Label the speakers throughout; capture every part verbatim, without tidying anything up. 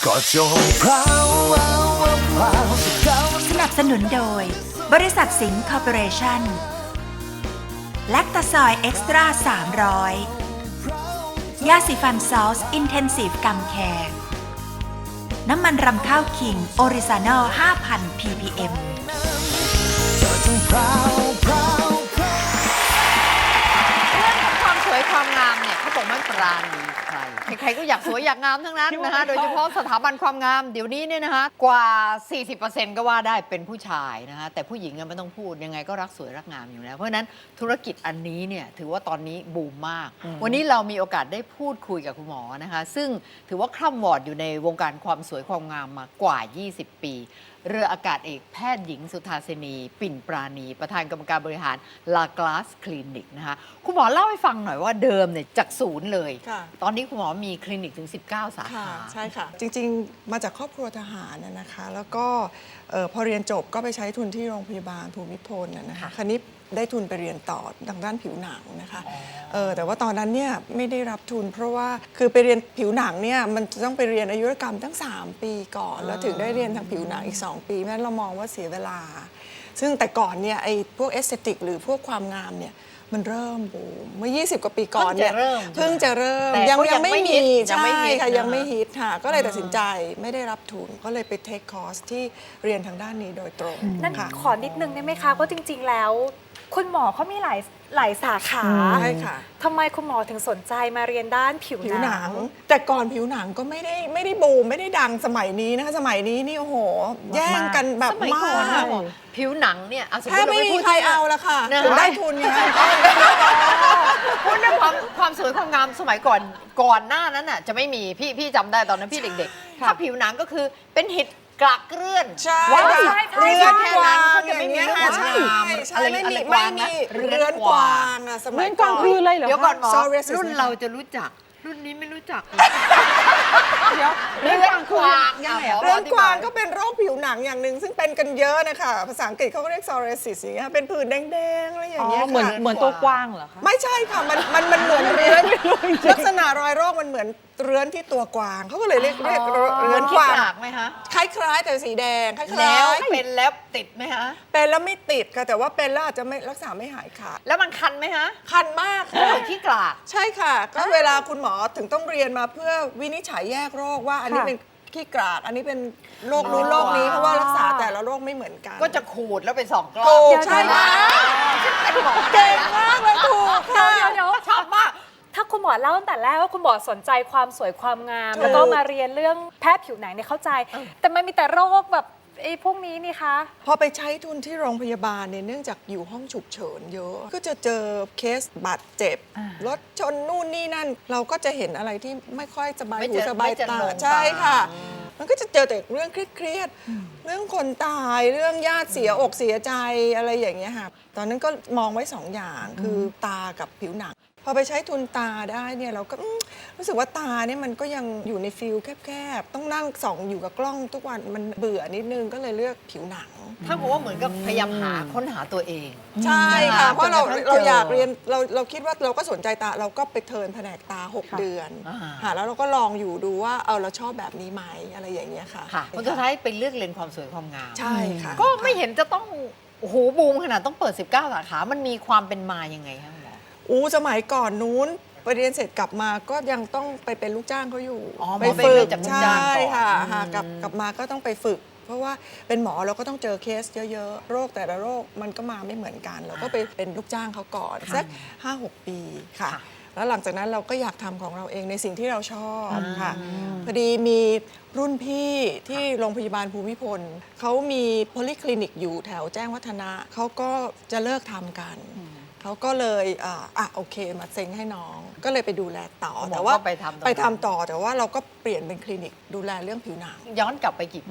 Speaker 1: ก็จงพราวพราวพราว
Speaker 2: สนับสนุนโดยบริษัทสิงห์คอร์ปอเรชั่นแลคตาซอยเอ็กซ์ตร้าสามร้อยยาสีฟันซอสอินเทนซีฟกัมแคร์น้ำมันรำข้าวคิงออริซานอล ห้าพัน พี พี เอ็ม
Speaker 3: ความสวยความงามเนี่ยเขาบอกไม่ปราณีใครใครๆก็อยากสวยอยากงามทั้งนั้นนะคะโดยเฉพาะสถาบันความงามเดี๋ยวนี้เนี่ยนะคะกว่า สี่สิบเปอร์เซ็นต์ ก็ว่าได้เป็นผู้ชายนะคะแต่ผู้หญิงไม่ต้องพูดยังไงก็รักสวยรักงามอยู่แล้วเพราะฉะนั้นธุรกิจอันนี้เนี่ยถือว่าตอนนี้บูมมากวันนี้เรามีโอกาสได้พูดคุยกับคุณหมอนะคะซึ่งถือว่าคร่ำวอร์ดอยู่ในวงการความสวยความงามมากว่า ยี่สิบ ปีเรืออากาศเอกแพทย์หญิงสุธาสินีปิ่นปราณีประธานกรรมการบริหารลากลาสคลินิกนะคะคุณหมอเล่าให้ฟังหน่อยว่าเดิมเนี่ยจากศูนย์เลยตอนนี้คุณหมอมีคลินิกถึงสิบเก้าสาขา
Speaker 4: ใช่ค่ะจริงๆมาจากครอบครัวทหารนะคะแล้วก็พอเรียนจบก็ไปใช้ทุนที่โรงพยาบาลภูมิพลนะคะคราวนี้ได้ทุนไปเรียนต่อทางด้านผิวหนังนะคะเออแต่ว่าตอนนั้นเนี่ยไม่ได้รับทุนเพราะว่าคือไปเรียนผิวหนังเนี่ยมันจะต้องไปเรียนอายุรกรรมตั้งสามปีก่อนแล้วถึงได้เรียนทางผิวหนังอีกสองปีเพราะฉะนั้นเรามองว่าเสียเวลาซึ่งแต่ก่อนเนี่ยไอ้พวกเอสเตติกหรือพวกความงามเนี่ยมันเริ่มบูมเมื่อยี่สิบกว่าปีก่อนเนี่ยเพิ่งจะเริ่มยังยังไม่มีใช่ค่ะยังไม่ฮิตค่ะก็เลยตัดสินใจไม่ได้รับทุนก็เลยไปเทคคอร์สที่เรียนทางด้านนี้โดยตรง
Speaker 5: นั่นขอนิดนึงได้ไหมคะเพราะจริงๆแล้วคุณหมอเขามีหลายหลายสาขา
Speaker 4: ใช่ค่ะ
Speaker 5: ทำไมคุณหมอถึงสนใจมาเรียนด้านผิวหนัง
Speaker 4: แต่ก่อนผิวหนังก็ไม่ได้ไม่ได้บูมไม่ได้ดังสมัยนี้นะคะสมัยนี้นี่โอ้โหแย่งกันแบบมาก
Speaker 3: ผิวหนังเนี่ย
Speaker 4: แค่ไม่มีใครเอาละค่ะถึงได้ทุนไง
Speaker 3: พูดเรื่องความความสวยความงามสมัยก่อนก่อนหน้านั้นน่ะจะไม่มีพี่พี่จำได้ตอนนั้นพี่เด็กๆถ้าผิวหนังก็คือเป็นหิดกลักเลื่อน
Speaker 4: ว่า
Speaker 3: เรือนแค่นั้นเขาจะไม่มีเรื่องความงามอะไร
Speaker 4: ไม่
Speaker 3: มี
Speaker 4: ไม่มีเรือนกวางอะสมัยก่อน
Speaker 5: คืออะไรเหรอ
Speaker 3: เดี๋ยวก่อนหมอรุ่นเราจะรู้จักรุ่นนี้ไม่รู้จัก
Speaker 5: เดี๋ยว
Speaker 3: เรือนกวางยังไง
Speaker 4: เรือนกวางก็เป็นโรคผิวหนังอย่างหนึ่งซึ่งเป็นกันเยอะนะคะภาษาอังกฤษเขาก็เรียก psoriasis อย่างเงี้ยเป็นผื่นแดงๆอะไรอย่างเงี้ย
Speaker 5: เหมือนเหมือนตัวกว้างเหรอคะ
Speaker 4: ไม่ใช่ค่ะมันมันมันเหมือนเรือนลักษณะรอยโรคมันเหมือนเรือนที่ตัวกวางเขาก็เลยเรียกเรียกเรือนกวาง
Speaker 3: ไหมคะ
Speaker 4: คล้ายๆแต่สีแดงคล้ายๆ
Speaker 3: แล้วเป็นแล้วติดไหมคะ
Speaker 4: เป็นแล้วไม่ติดค่ะแต่ว่าเป็นแล้วอาจจะไม่รักษาไม่หายขาด
Speaker 3: แล้วมันคันไหมคะ
Speaker 4: คันมาก
Speaker 3: ค่ะที่กลาก
Speaker 4: ใช่ค่ะก็เวลาคุณหมอถึงต้องเรียนมาเพื่อวินิจฉัยแยกโรคว่าอันนี้เป็นขี้กลากอันนี้เป็นโรคนู้นโรคนี้เพราะว่ารักษาแต่ละโรคไม่เหมือนกัน
Speaker 3: ก็จะขูดแล้วเป็นสองกล้อง
Speaker 4: ถูกใช่ไหมเก่งมากเลยถูกค่ะ
Speaker 5: เดี๋ยว
Speaker 3: ชอบมาก
Speaker 5: ถ้าคุณหมอเล่าตั้งแต่แรกว่าคุณหมอสนใจความสวยความงามแล้วก็มาเรียนเรื่องแพทย์ผิวหนังเนี่ยเข้าใจแต่มันมีแต่โรคแบบไอ้พวกนี้นี่คะ
Speaker 4: พอไปใช้ทุนที่โรงพยาบาลเนี่ยเนื่องจากอยู่ห้องฉุกเฉินเยอะก็จะเจอเคสบาดเจ็บรถชนนู่นนี่นั่นเราก็จะเห็นอะไรที่ไม่ค่อยสบายหูสบายตาใช่ค่ะมันก็จะเจอแต่เรื่องเครียดๆเรื่องคนตายเรื่องญาติเสียอกเสียใจอะไรอย่างเงี้ยค่ะตอนนั้นก็มองไว้สองอย่างคือตากับผิวหนังพอไปใช้ทุนตาได้เนี่ยเราก็รู้สึกว่าตาเนี่ยมันก็ยังอยู่ในฟิลแคบๆต้องนั่งส่องอยู่กับกล้องทุกวันมันเบื่อนิดนึงก็เลยเลือกผิวหนัง
Speaker 3: ถ้าบอกว่าเหมือนกับพยายามหาค้นหาตัวเอง
Speaker 4: ใช่ค่ะเพราะเราเราอยากเรียนเราเราคิดว่าเราก็สนใจตาเราก็ไปเทิร์นแผนกตาหกเดือนค่ะแล้วเราก็ลองอยู่ดูว่าเออเราชอบแบบนี้ไหมอะไรอย่างเงี้ยค่ะ
Speaker 3: ค่ะคนสุดท้ายเป็นเลือกเรียนความสวยความงาม
Speaker 4: ใช่ค่ะ
Speaker 3: ก็ไม่เห็นจะต้องโอ้โหบูมขนาดต้องเปิดสิบเก้าสาขามันมีความเป็นมายังไงคะ
Speaker 4: อู้สมัยก่อนนู้นไปเรียนเสร็จกลับมาก็ยังต้องไปเป็นลูกจ้างเขาอยู่
Speaker 3: ไปฝึกใช่
Speaker 4: ค่ะกลับกลับมาก็ต้องไปฝึกเพราะว่าเป็นหมอเราก็ต้องเจอเคสเยอะๆโรคแต่ละโรคมันก็มาไม่เหมือนกันเราก็ไปเป็นลูกจ้างเขาก่อนสัก ห้าหก ปีค่ะแล้วหลังจากนั้นเราก็อยากทำของเราเองในสิ่งที่เราชอบค่ะพอดีมีรุ่นพี่ที่โรงพยาบาลภูมิพลเขามีโพลิคลินิกอยู่แถวแจ้งวัฒนะเขาก็จะเลิกทำกันเขาก็เลยอ่าอ่ะโอเคมาเซ็งให้น้องก็เลยไปดูแลต่อแต่ว่า
Speaker 3: ไปทำ
Speaker 4: ไปทำต่อแต่ว่าเราก็เปลี่ยนเป็นคลินิกดูแลเรื่องผิวหนัง
Speaker 3: ย้อนกลับไปกี่ปีคะ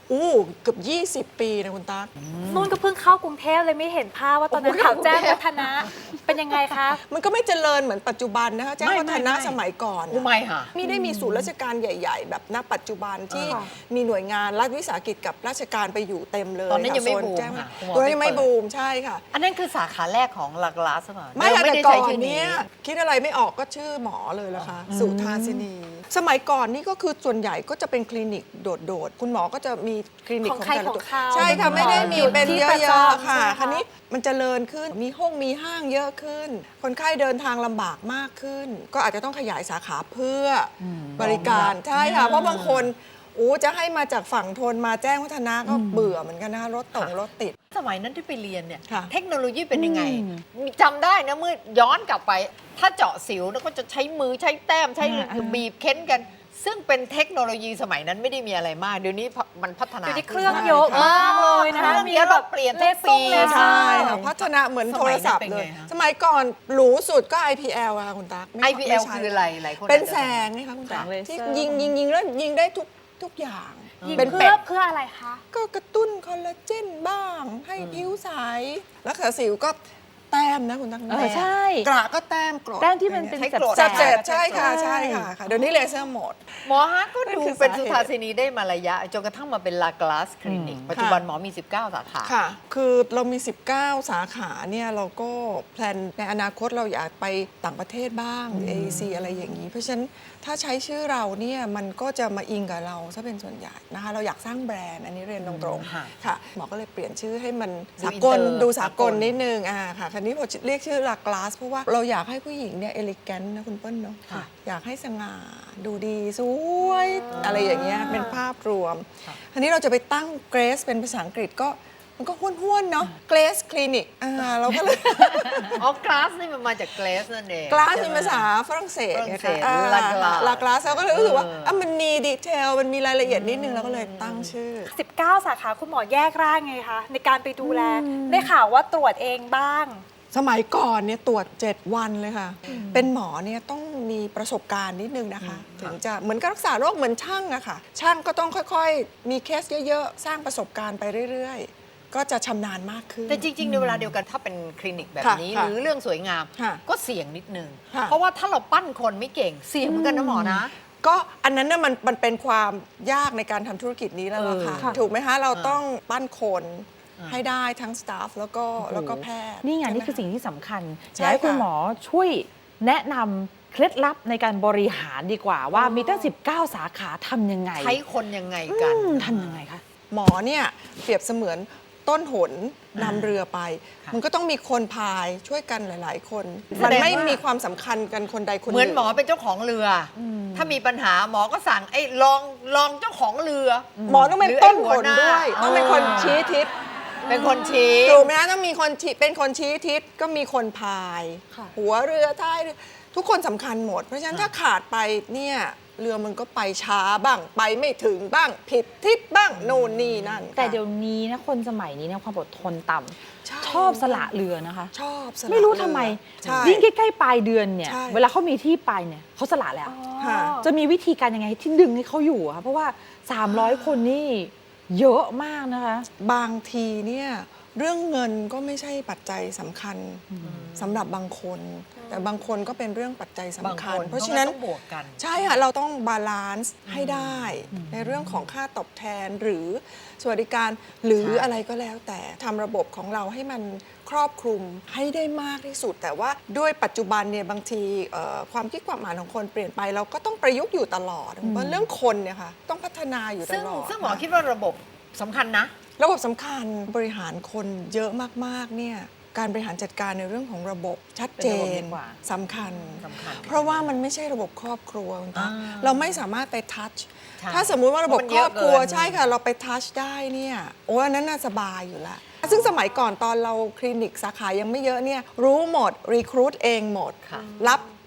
Speaker 4: อู้เกือบยี่สิบ ปีนะคุณตั๊ก
Speaker 5: นุ่นก็เพิ่งเข้ากรุงเทพเลยไม่เห็นภาพว่าตอนนั้น
Speaker 3: โอ้โห
Speaker 5: ข่าวแจ้ง
Speaker 3: กรุงเทพ
Speaker 5: วัฒนะเป็นยังไงคะ
Speaker 4: มันก็ไม่เจริญเหมือนปัจจุบันนะคะแจ้ง
Speaker 3: ไม่
Speaker 4: วัฒนะ
Speaker 3: ไม่ไม่
Speaker 4: สมัยก่อน
Speaker 3: อุ
Speaker 4: อะ
Speaker 3: ไม่ค่ะ
Speaker 4: ไม่ได้มีศูนย์ราชการใหญ่ ๆ แบบณปัจจุบันที่
Speaker 5: ค่ะ
Speaker 4: มีหน่วยงานรัฐวิสาหกิจกับราชการไปอยู่เต็มเลย
Speaker 3: ตอนนั้นยังไม่
Speaker 4: ค่ะโซ
Speaker 3: บูม
Speaker 4: แจ้ง
Speaker 3: ค่ะคุณหมอ
Speaker 4: ตอนนั้นยังไม่
Speaker 3: ไม่เปิด
Speaker 4: บูมใช่ค่ะ
Speaker 3: อันนั้นคือสาขาแรกของลากลาสมัย
Speaker 4: ไม่ค่ะ
Speaker 3: ไม่
Speaker 4: แต่
Speaker 3: ได้
Speaker 4: ก่อ
Speaker 3: ใช้
Speaker 4: น
Speaker 3: ชื่อนี้
Speaker 4: เนี้ยคิดอะไรไม่ออกก็ชื่อหมอเลยละค่ะสุทาสินี สมัยก่อนนี่ก็คือส่วนใหญ่ก็จะเป็นคลินิกโดดๆคุณหมอก็จะมีคลินิก
Speaker 5: ของ
Speaker 4: ของ
Speaker 5: ใคร
Speaker 4: แต่ละ
Speaker 5: ของ
Speaker 4: ตัว
Speaker 5: เขา
Speaker 4: ใช่ค่ะไม่ได้มี
Speaker 5: อยู่
Speaker 4: เป็น
Speaker 5: ที่
Speaker 4: เย
Speaker 5: ประ
Speaker 4: อะ
Speaker 5: จำ
Speaker 4: ๆค่ะ
Speaker 5: ใช่ไหมคะ
Speaker 4: คันนี้มันเจริญขึ้นมีห้องมีห้างเยอะขึ้น คนไข้เดินทางลำบากมากขึ้น ก็อาจจะต้องขยายสาขาเพื่อบริการใช่ค่ะเพราะบางคนอู้จะให้มาจากฝั่งทนมาแจ้งวัฒนะก็เบื่อเหมือนกันนะคะรถตงรถติด
Speaker 3: สมัยนั้นที่ไปเรียนเนี่ย
Speaker 4: ค่ะ
Speaker 3: เทคโนโลยีเป็นยังไงมีจำได้นะเมื่อย้อนกลับไป ถ้าเจาะสิวแล้วก็จะใช้มือใช้แต้มใช้บีบเค้นกัน ซึ่งเป็นเทคโนโลยีสมัยนั้นไม่ได้มีอะไรมาก เดี๋ยวนี้มันพัฒนา
Speaker 5: เดี๋ยวนี้
Speaker 3: ขึ้
Speaker 5: เครื่องเยอะมากเลยนะคะ
Speaker 3: เครื่องเยอะแบบเปลี่ยนทุกปี
Speaker 5: เลเซอร์
Speaker 4: ใช่ค่ะพัฒนาเหมือนโทรศัพท์
Speaker 3: สมัยนั้นเป็น
Speaker 4: เล
Speaker 3: ไง
Speaker 4: ย
Speaker 3: คะ
Speaker 4: สมัยก่อนหรูสุดก็ ไอ พี แอล อะค่ะคุณตั๊ก
Speaker 3: ไอ พี แอล
Speaker 4: ม่ใช่
Speaker 3: คืออะไรหลายคน
Speaker 4: เป็น
Speaker 3: อาจจะ
Speaker 4: แสงไงคะคุณตั๊ก
Speaker 6: แสงเลเซอร์
Speaker 4: ที่ยิงยิงยิงแล้วยิงได้ทุกทุกอย่าง
Speaker 5: ยิง
Speaker 4: เป็น
Speaker 5: เพื่
Speaker 4: เป็
Speaker 5: อ
Speaker 4: ด
Speaker 5: เพื่ออะไรคะ
Speaker 4: ก็กระตุ้นคอลลาเจนบ้าง ให้ผิวใสแล้วขาสิวก็แต้มนะคุณตั๊ก
Speaker 6: เออใช่
Speaker 4: กระก็แต้มกรด
Speaker 6: แต้มที่มันเป็น
Speaker 3: ใช้
Speaker 6: แส
Speaker 3: โกรธ
Speaker 6: บ
Speaker 4: เจ็บ
Speaker 6: ๆ
Speaker 4: ใช่ค่ะใช่ค่ะค่ะเดี๋ยวนี้เลเซอร์หมด
Speaker 3: หมอฮะก็ดู
Speaker 4: นั่นคือ
Speaker 3: เป็น
Speaker 4: สาเหตุ
Speaker 3: สุทาสินีได้มาระยะจนกระทั่งมาเป็นลากลาสคลินิก ปัจจุบันหมอมี สิบเก้า สาขา
Speaker 4: ค่ะ คือเรามี สิบเก้า สาขาเนี่ยเราก็แพลนในอนาคตเราอยากไปต่างประเทศบ้าง เอ ซี อะไรอย่างนี้ เพราะฉะนั้นถ้าใช้ชื่อเราเนี่ยมันก็จะมาอิงกับเราซะเป็นส่วนใหญ่นะคะ เราอยากสร้างแบรนด์อันนี้เรียนตรง
Speaker 3: ค่ะ
Speaker 4: ๆค่ะ หมอก็เลยเปลี่ยนชื่อให้มัน
Speaker 3: ดู
Speaker 4: สากล
Speaker 3: อินเตอร์
Speaker 4: ดูสากล
Speaker 3: สากล
Speaker 4: นิดนึงอ่าค่ะคราวนี้พอเรียกชื่อลากลาสเพราะว่าเราอยากให้ผู้หญิงเนี่ยเอลิแกนนะคุณเปิ้ลเนาะ
Speaker 3: ค่ะ
Speaker 4: อยากให้สง่าดูดีสวยอะไรอย่างเงี้ยเป็นภาพรวมคราวนี้เราจะไปตั้งเกรสเป็นภาษาอังกฤษก็มันก็ห้วนๆเนาะเกรสคลินิกอ่าเราก็เลย
Speaker 3: อ๋อกลาสนี่มันมาจากเกรสนั่นเอง
Speaker 4: กลาสเป็นภาษาฝรั่งเศส
Speaker 3: ฝรั่งเศส
Speaker 4: ไงคะ
Speaker 3: ลากลาส
Speaker 4: ลากลาสเราก็เลยรู้สึกว่า
Speaker 3: เอออ่
Speaker 4: อ่ะมันมีดีเทลมันมีรายละเอียดนิดนึงเราก็เลยตั้งชื่อ
Speaker 5: สิบเก้า สาขาคุณหมอแยกร่างไงคะในการไปดูแล ได้ข่าวว่าตรวจเองบ้าง
Speaker 4: สมัยก่อนเนี่ยตรวจ เจ็ด วันเลยค่ะ เป็นหมอเนี่ยต้องมีประสบการณ์นิดนึงนะคะ ถึงจะเหมือนกับรักษาโรคเหมือนช่างอะค่ะ ช่างก็ต้องค่อยๆ มีเคสเยอะๆ สร้างประสบการณ์ไปเรื่อยๆ ก็จะชำนาญมากขึ้น
Speaker 3: แต่จริง ๆ ในเวลาเดียวกันถ้าเป็นคลินิกแบบ
Speaker 4: ค่ะ
Speaker 3: นี้
Speaker 4: ค่ะ
Speaker 3: หรือเรื่องสวยงาม
Speaker 4: ค่ะ
Speaker 3: ก็เสี่ยงนิดนึง
Speaker 4: ค่ะ
Speaker 3: เพราะว่าถ้าเราปั้นคนไม่เก่งเสี่ยงเหมือนกันนะหมอนะ
Speaker 4: ก็อันนั้นน่ะมันมันเป็นความยากในการทำธุรกิจนี้แล้วล่ะค่ะ
Speaker 6: เออ
Speaker 4: ถูกไหมคะ เรา
Speaker 3: อ่า
Speaker 4: ต้องปั้นคน
Speaker 3: อ่า
Speaker 4: ให้ได้ทั้งสตาฟแล้วก็แล้วก็แพทย์
Speaker 6: นี่ไง
Speaker 4: ใช่หม
Speaker 6: นี่คือสิ่งที่สำคัญ
Speaker 4: ใช่
Speaker 6: อยากให้คุณ
Speaker 4: ค่ะ
Speaker 6: หมอช่วยแนะนำเคล็ดลับในการบริหารดีกว่าว่ามีตั้ง สิบเก้า สาขาทำยังไง
Speaker 3: ใช้คนยังไงกัน
Speaker 6: อืมทำยังไงคะ
Speaker 4: หมอเนี่ยเปรียบเสมือนต้นหนนำเรือไป
Speaker 3: ค่ะ
Speaker 4: มันก็ต้องมีคนพายช่วยกันหลาย ๆ คน
Speaker 3: แส
Speaker 4: มัน
Speaker 3: ดง
Speaker 4: ไม่
Speaker 3: ว่ามี
Speaker 4: มีความสำคัญกันคนใดคนห
Speaker 3: เหมือน
Speaker 4: นึ่ง
Speaker 3: หมอเป็นเจ้าของเรืออถ้ามีปัญหาหมอก็สั่งไอ้ลองลองเจ้าของเรือ
Speaker 4: หมอต้องเป็น
Speaker 3: หรือ
Speaker 4: ต้น
Speaker 3: ไอ้
Speaker 4: ห
Speaker 3: หัวน หน้า
Speaker 4: ด้วย ต้องเป็นคน
Speaker 3: อ่า
Speaker 4: ชี้ทิศ
Speaker 3: เป็นคนชี้
Speaker 4: ถูกไหมคะต้องมีคนชี้เป็นคนชี้ทิศก็มีคนพาย
Speaker 5: ค่ะ
Speaker 4: หัวเรือท้ายเรือทุกคนสำคัญหมด เพราะฉะนั้นถ้าขาดไปเนี่ยเรือมันก็ไปช้าบ้างไปไม่ถึงบ้างผิดทิศบ้างโน่นนี่นั่นค่ะ
Speaker 6: แต่เดี๋ยวนี้นะคนสมัยนี้เนี่ยความอดทนต่ำ
Speaker 4: ใช่
Speaker 6: ชอบสละเรือนะคะ
Speaker 4: ชอบสละ
Speaker 6: ไม่รู้ทำไม
Speaker 4: ใช่
Speaker 6: ยิ่งใกล้ๆปลายเดือนเนี่ย
Speaker 4: ใช่
Speaker 6: เวลาเขามีที่ไปเนี่ยเขาสละแล้ว
Speaker 4: ค่ะ
Speaker 6: จะมีวิธีการยังไงที่ดึงให้เขาอยู่อะคะเพราะว่า สามร้อย คนนี่เยอะมากนะคะ
Speaker 4: บางทีเนี่ยเรื่องเงินก็ไม่ใช่ปัจจัยสำคัญสำหรับบางคน แต่บางคนก็เป็นเรื่องปัจจัยสำ
Speaker 3: บาง
Speaker 4: คั
Speaker 3: ค
Speaker 4: ญ
Speaker 3: น
Speaker 4: เพราะฉะนั้น
Speaker 3: ต้องบวกกัน
Speaker 4: ใช่ค่ะเราต้องบาลานซ์ให้ได้ในเรื่องของค่าตอบแทนหรือสวัสดิการหรือ
Speaker 3: ใช่
Speaker 4: อะไรก็แล้วแต่ทำระบบของเราให้มันครอบคลุมให้ได้มากที่สุด แต่ว่าด้วยปัจจุบันเนี่ยบางทีเอ่อความคิดความอ่านของคนเปลี่ยนไป เราก็ต้องประยุกต์อยู่ตลอดเพราะเรื่องคนเนี่ยค่ะต้องพัฒนาอยู่ต
Speaker 3: ซึ่ง
Speaker 4: ลอด
Speaker 3: ซึ่งหมอคิดว่าระบบสำคัญนะ
Speaker 4: ระบบสำคัญบริหารคนเยอะมากๆเนี่ยการบริหารจัดการในเรื่องของระบบชัดเจ
Speaker 6: เป็นระบบ
Speaker 4: น
Speaker 6: ดีกว่า
Speaker 4: สำคัญ
Speaker 3: สำคัญ
Speaker 4: เพราะว่ามันไม่ใช่ระบบครอบครัวคุณตา
Speaker 3: อ่า
Speaker 4: เราไม่สามารถไปทัช
Speaker 3: ใช่
Speaker 4: ถ้าสมมุติว่าระบบ
Speaker 3: เพราะมัน
Speaker 4: ค
Speaker 3: เย
Speaker 4: ร
Speaker 3: อะ
Speaker 4: อบครัว
Speaker 3: เกิน
Speaker 4: ใช่ค่ะเราไปทัชได้เนี่ยโอ้อันนั้นน่าสบายอยู่แล้วซึ่งสมัยก่อนตอนเราคลินิกสาขายังไม่เยอะเนี่ยรู้หมดรีครูทเองหมด
Speaker 3: ค่ะ
Speaker 4: รับ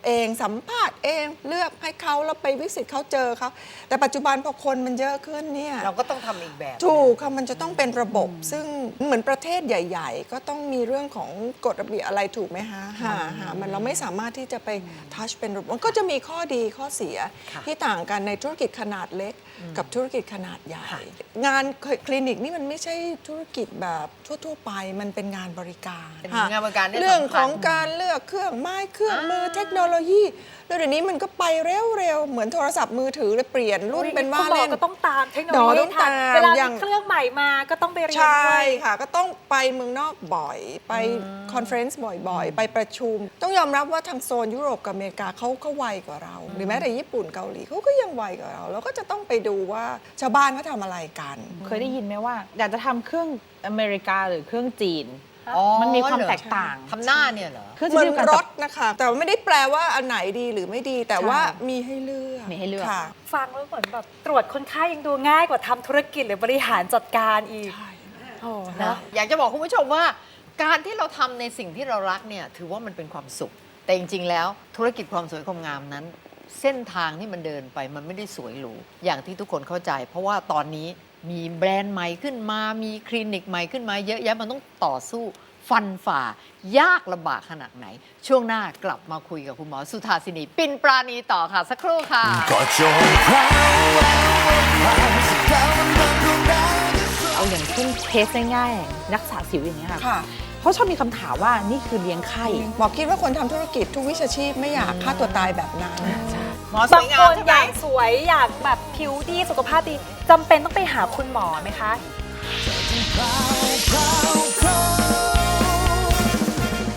Speaker 4: เองสัมภาษณ์เองเลือกให้เขาแล้วไปวิสิตเขาเจอเขาแต่ปัจจุบันพอคนมันเยอะขึ้นเนี่ย
Speaker 3: เราก็ต้องทำอีกแบบ
Speaker 4: ถูกค่ะมันจะต้องเป็นระบบ ซึ่งเหมือนประเทศใหญ่ ๆ ก็ต้องมีเรื่องของกฎระเบียบอะไรถูกไหมคะหาหามันเราไม่สามารถที่จะไปทัชเป็นระบบมันก็จะมีข้อดีข้อเสียที่ต่างกันในธุรกิจขนาดเล็กกับธุรกิจขนาดใหญ่ งานคลินิกนี่มันไม่ใช่ธุรกิจแบบทั่ว ๆ ไปมันเป็นงานบริการ
Speaker 3: เป็นงานบริการที่
Speaker 4: เรื่อง
Speaker 3: สำคัญ
Speaker 4: ของการเลือกเครื่องไม้เครื่องมือเทคโนโลยี แล้วเดี๋ยวนี้มันก็ไปเร็วๆ เหมือนโทรศัพท์มือถือเลยเปลี่ยนรุ่นเป็นว่า
Speaker 5: คุณหมอ
Speaker 4: เล่น
Speaker 5: ก็ต้องตามเทคโน
Speaker 4: หม
Speaker 5: โล
Speaker 4: อ
Speaker 5: ยี
Speaker 4: ต้อง
Speaker 5: ทัน
Speaker 4: ตาม
Speaker 5: เวลา
Speaker 4: อย่า
Speaker 5: มี
Speaker 4: ง
Speaker 5: เครื่องใหม่มาก็ต้องไปเรียน
Speaker 4: ใช่
Speaker 5: ด้วย
Speaker 4: ค่ะ ก็ต้องไปเมืองนอกบ่อย ไปคอนเฟรนซ์บ่อยๆ ไปประชุม ต้องยอมรับว่าทางโซนยุโรปกับอเมริกาเขาก็ไวกว่าเรา หรือแม้แต่ญี่ปุ่นเกาหลีเขาก็ยังไวกว่าเรา เราก็จะต้องไปดูว่าชาวบ้านเขาทำอะไรกัน
Speaker 6: เคยได้ยินไหมว่า อยากจะทำเครื่องอเมริกาหรือเครื่องจีน
Speaker 3: อ๋อ
Speaker 6: มันมีความ
Speaker 3: เหรอ
Speaker 6: แตกต่าง
Speaker 3: ทำหน้าเนี่ยเหรอ
Speaker 6: เครื่อง
Speaker 4: เหมือน
Speaker 6: เดียวกัน
Speaker 4: ร
Speaker 6: กับ
Speaker 4: ถนะคะ แต่ว่าไม่ได้แปลว่าอันไหนดีหรือไม่ดี แต่ว่ามีให้เลือก
Speaker 6: มีให้เลือก
Speaker 4: ค่ะ
Speaker 5: ฟังแล้วเหมือนแบบตรวจคนไข้ยังดูง่ายกว่าทำธุรกิจหรือบริหารจัดการอีกโอ้
Speaker 3: นะ
Speaker 5: นะ
Speaker 3: อยากจะบอกคุณผู้ชมว่า การที่เราทำในสิ่งที่เรารักเนี่ยถือว่ามันเป็นความสุข แต่จริง ๆ แล้วธุรกิจความสวยความงามนั้น เส้นทางที่มันเดินไปมันไม่ได้สวยหรูอย่างที่ทุกคนเข้าใจ เพราะว่าตอนนี้มีแบรนด์ใหม่ขึ้นมามีคลินิกใหม่ขึ้นมาเยอะแยะมันต้องต่อสู้ฟันฝ่ายากลำบากขนาดไหน ช่วงหน้ากลับมาคุยกับคุณหมอสุธาสินีปิ่นปราณีต่อค่ะ สักครู่ค่ะ
Speaker 1: ก็จงพราวพราวพราวสักคราวมันดังดวงดาว
Speaker 6: เอาอย่างเช่นเคสง่ายๆนักษาสิวอย่างเงี้ยค่ะ
Speaker 4: ค่ะ
Speaker 6: เพราะชอบมีคำถามว่านี่คือเลี้ยงไข้
Speaker 4: หมอคิดว่าคนทำธุรกิจทุกวิชาชีพไม่อยากฆ่าตัวตายแบบนั้น
Speaker 3: หมอส
Speaker 5: บา
Speaker 3: วย
Speaker 5: ง
Speaker 3: งา
Speaker 5: ค
Speaker 3: ม
Speaker 5: น
Speaker 3: ใช่
Speaker 5: อ
Speaker 3: ไหม
Speaker 5: ยากสวยอยากแบบผิวดีสุขภาพดีจำเป็นต้องไปหาคุณหมอไหมคะ